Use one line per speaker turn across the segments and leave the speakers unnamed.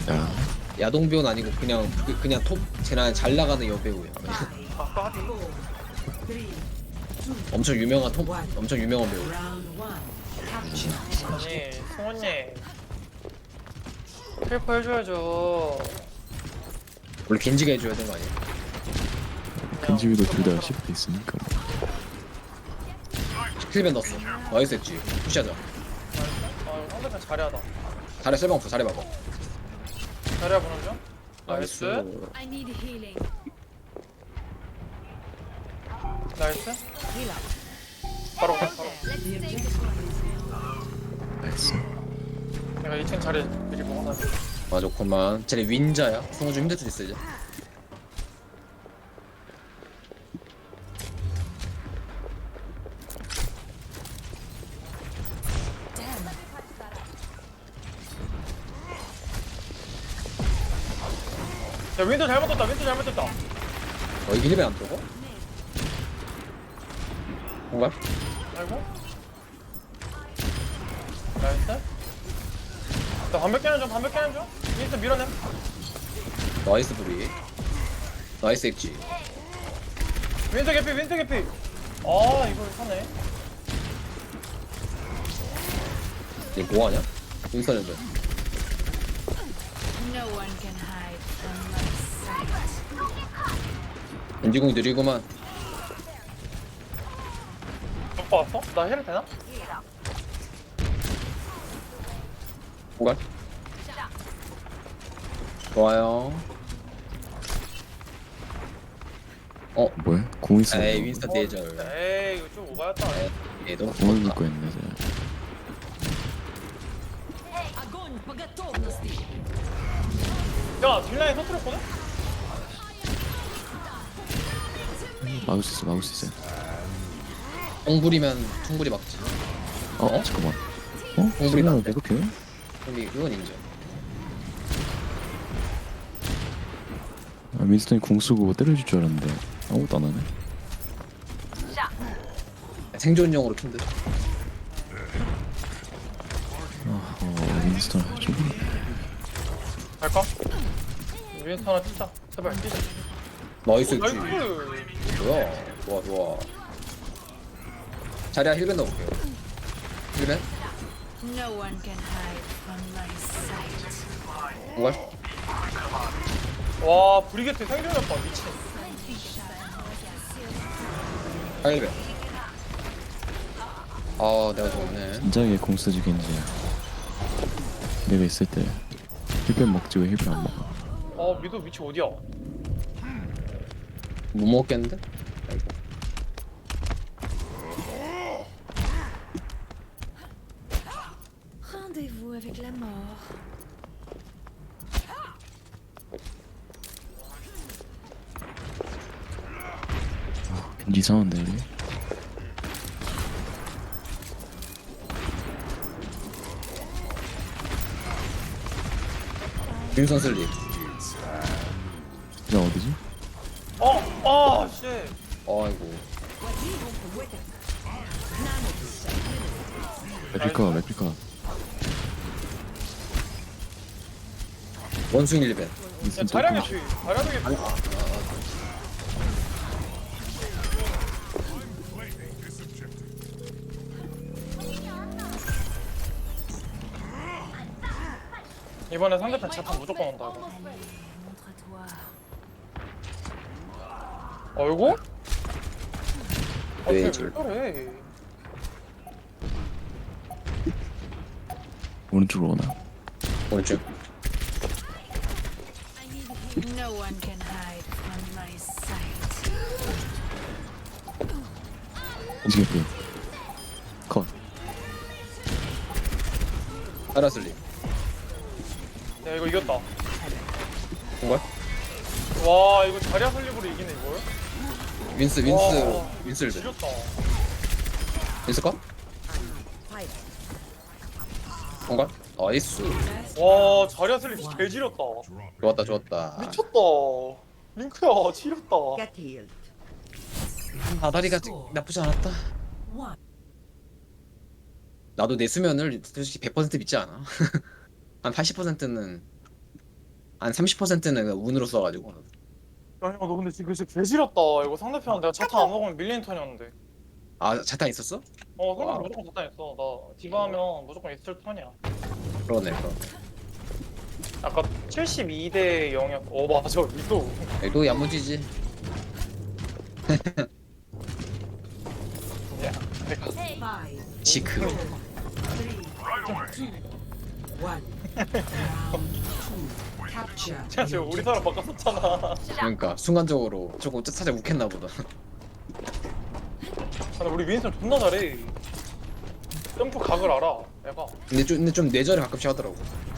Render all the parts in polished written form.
야,
야동배우는 아니고 그냥 톱 제나 잘 나가는 여배우야.
아까
엄청 유명한 엄청 유명한 배우.
아니 승훈님 헬퍼 해줘야죠.
원래 겐지가 해줘야 되는 거 아니야?
겐지위도 둘 다 시프트 있으니까.
힐밴 넣었어. 나이스 했지. 푸시하자.
아 상대편 잘해하다.
잘해 셀방 없어. 잘해봐봐.
잘해야 보는 중.
나이스.
나이스.
I need healing.
나이스. 바로 가. 바로.
Let's take this one.
나이스.
내가 2층 자리 미리 먹어놔.
아 좋구만. 쟤네 윈자야. 성우 좀 힘들 수도 있어 이제.
야 윈도 잘못 떴다. 윈도 잘못 떴다.
이게 힐밴 안 들어가? 뭔가?
아이고. 나이스. 나 반백 깨는 중. 반백 깨는 중. 윈도 밀어내.
나이스 불이. 나이스 액지.
윈도 개피. 윈도 개피. 아 이걸 사네.
얘 뭐하냐? 윈스턴인데.
No one can hide from my sight.
겐지공이 느리구만.
오빠 왔어? 나 힐을 되나?
뭐가? 좋아요.
뭐야? 공 있어.
에이 윈스턴 대절.
에이 이거 좀 오바였다.
에이 너무
공을
좋다.
믿고 있네, 쟤.
야 딜라인 터뜨렸거든?
막을 수 있어, 막을 수 있어.
똥불이면 퉁불이 막지.
잠깐만.
공불이
성공을
나는데?
계속해?
근데 그건 인정.
윈스턴이 공 쓰고 때려줄 줄 알았는데 아무것도 안 하네.
생존용으로 킨드.
윈스턴 좀
갈까? 윈스턴 하나 뛰자. 제발 뛰자.
나이스 액지.
나이스.
뭐야? 좋아 좋아. 자리야 힐밴 넣어볼게요. 힐밴?
No one can hide from my sight.
뭔가?
와 브리게트 생존했다. 미친.
힐밴. 아 내가 좋네.
진작에 공 쓰지 겐지야. 내가 있을 때 힐벤 먹지 왜 힐벤 안 먹어?
미도 위치 어디야?
못 먹겠는데? 아이고.
Rendez-vous avec la mort.
겐지 이상한데 여기?
윈선 슬립.
나 어디지?
씨.
아이고.
레플카
원숭이 힐밴.
야
윈스턴
자량의
또
피. 자량의 피. 이번에 상대편 재판 무조건 온다 이거.
Montre-toi.
어이구?
왜
왜
저래?
그래?
오른쪽으로 오나?
오른쪽.
No one can hide from my sight.
겐지 개피 컷.
파라 슬립.
야 이거 이겼다.
뭔가?
와 이거 자리아 설립으로 이기네 이걸?
윈스
와,
힐밴.
지렸다.
윈스 컷? 뭔가? 나이스.
와 자리아 설립 개 지렸다.
좋았다 좋았다.
미쳤다. 링크야 지렸다.
Get healed.
아다리가 나쁘지 않았다. 나도 내 수면을 솔직히 100% 믿지 않아. 한 80%는 한 30%는 운으로 써가지고.
야, 형, 너 근데 지금 진짜 개지렸다. 이거 상대편 내가 자탄 안 먹으면 밀리는 턴이었는데.
아 자탄 있었어?
상대편
와.
무조건 자탄 있어. 나 디바 하면 무조건 있을 턴이야.
그러네.
아까 72대 0이었어. 맞아. 위도.
또 야무지지.
야, 내가
Five,
지크.
three, two, one. Round two. Capture.
제가 지금 우리 사람 바꿨었잖아.
그러니까 순간적으로 조금 살짝 욱했나 보다.
근데 우리 윈선 존나 잘해. 점프 각을 알아. 얘가.
근데 좀 뇌절을 가끔씩 하더라고.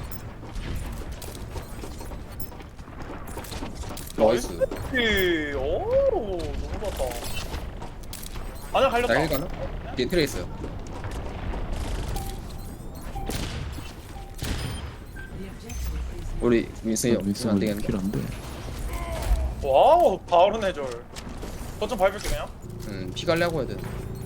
나이스.
오, 너무 좋았다. 아니야, 갈렸다.
나 1가나? 뒤에 트레이스.
The objective is
우리 윈슨이 없으면 안
윈스는
되겠네.
킬 안돼.
와우, 바로 내절. 거점 밟을게 그냥.
피 관리하고 해야 돼.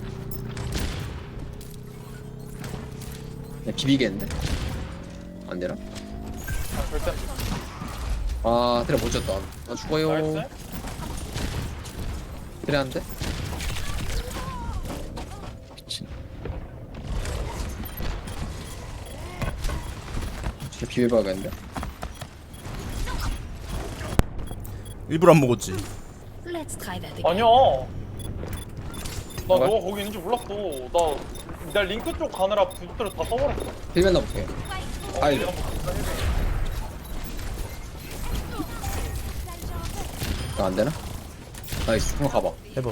그냥 비비겠는데? 안 되나?
아, 절대.
아 트레 못 졌다. 나 죽어요.
나이스.
트레 한 대?
미친.
진짜 비벼봐야겠는데?
일부러 안 먹었지.
Let's try that again.
아니야. 나
뭐야?
너가 거기 있는지 몰랐어. 나 링크 쪽 가느라 부스트를 다 써버렸어.
힐맨 넣어볼게. 아이 안 되나? 나이스. 한번 가봐.
해봐.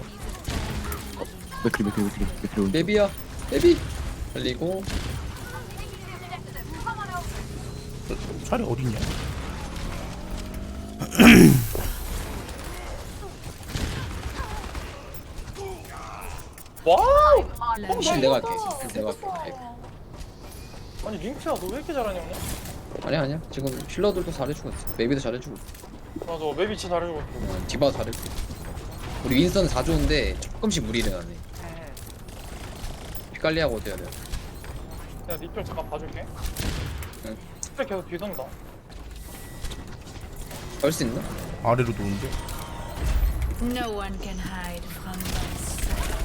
맥크리.
베비야. 베비. 달리고.
차례 어딨냐?
와우!
실 내가 할게. 내가 할게.
아니 링크야 너 왜 이렇게 잘하냐 오늘?
아니야. 지금 힐러들도 잘해주고 있어. 메비도 잘해주고 있어.
맞아 맵이 진짜 잘해주고 있어.
디바도 잘해주고 있어. 우리 윈스턴은 4조인데 조금씩 무리를 하네. 피 관리하고 어때야 돼?
내가 니쪽 잠깐 봐줄게.
응.
스펙 계속 뒤선다.
할 수 있나?
아래로 놓는데.
No one can hide from my sight.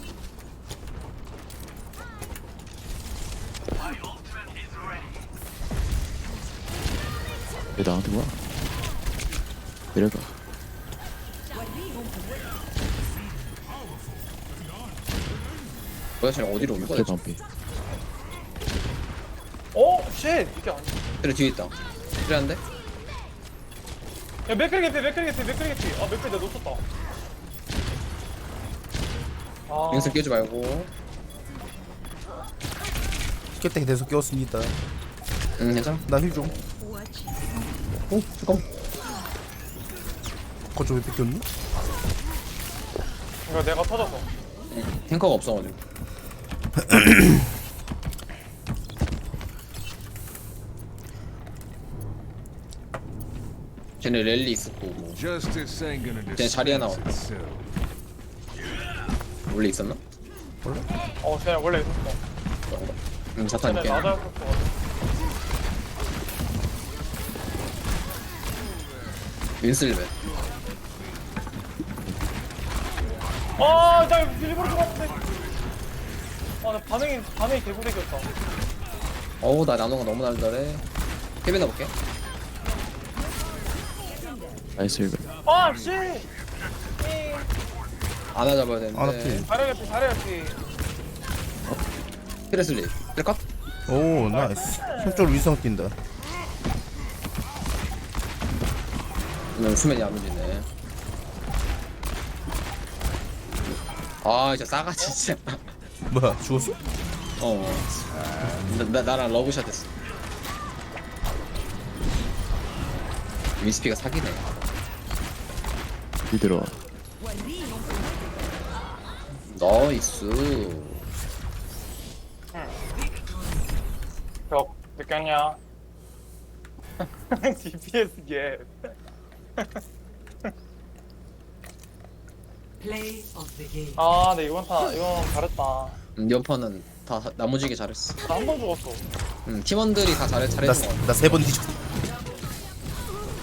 왜 나한테 와? 내려가.
뭐야 쟤는 어디로 오는 거야?
개 반피.
쉣! 이게 아니야.
그래 뒤에 있다. 그래 안 돼?
야 맥크리 개피. 아 맥크리 내가 놓쳤다. 아
윈스 깨지 말고.
깼다 계속 깨웠습니다.
응 괜찮아.
나 힐 좀.
Watch
오 잠깐.
거쪽 왜 뺏겼니?
이거 내가 터졌어.
탱커가 없어가지고. 쟤네 랠리 있었고 뭐.
Justice ain't gonna
쟤네 자리에 나와.
dispense itself.
원래 있었나?
쟤네 원래 있었어.
그런가? 자탄
쟤네
있게.
나자였어.
윈슬벤.
나 일부러 들어갔는데. 나 반응이 개구리겼다.
어우 나 나노가 너무 날달해. 케빈 넣어볼게.
나이스 힐.
씨!
아나 잡아야 되는데.
아나 필.
잘해야지.
트레슬리. 트레컷?
오 나이스. 손쪽으로 위성 뛴다.
수면이 안 움직이네. 아 진짜 싸가지 진짜.
뭐야 죽었어?
나랑 러브샷 했어. 위스피가 사기네.
들어와.
나이스.
벽 느꼈냐? DPS 게.
play of the game.
근데 이건 잘했다.
연판은 다 나무지게 잘했어.
나 한 번 죽었어.
팀원들이 다 잘해준 거 같아.
나 세 번 뒤졌어.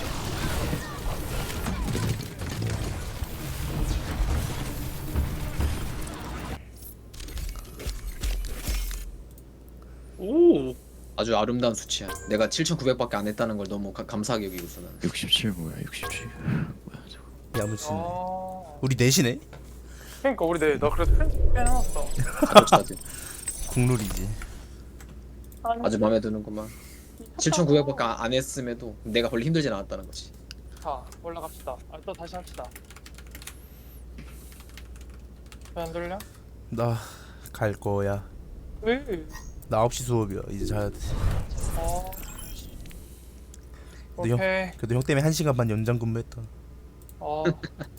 아주 아름다운 수치야. 내가 7,900밖에 안 했다는 걸 너무 감사하게 여기고 있어 나는.
67 뭐야 67 뭐야 저거
야무지네.
아.
우리 넷이네.
그러니까 우리 나 그래서 편집 빼놨어.
아주
국룰이지.
아주 마음에 드는구만. 7,900밖에 안 했음에도 내가 별로 힘들진 않았다는 거지.
자 올라갑시다. 또 다시 합시다. 왜 안 들려?
나 갈 거야.
왜?
나 9시 수업이야. 이제 자야 돼.
어.
근데
오케이.
그래도 형 때문에 1시간 반 연장 근무했다.
어.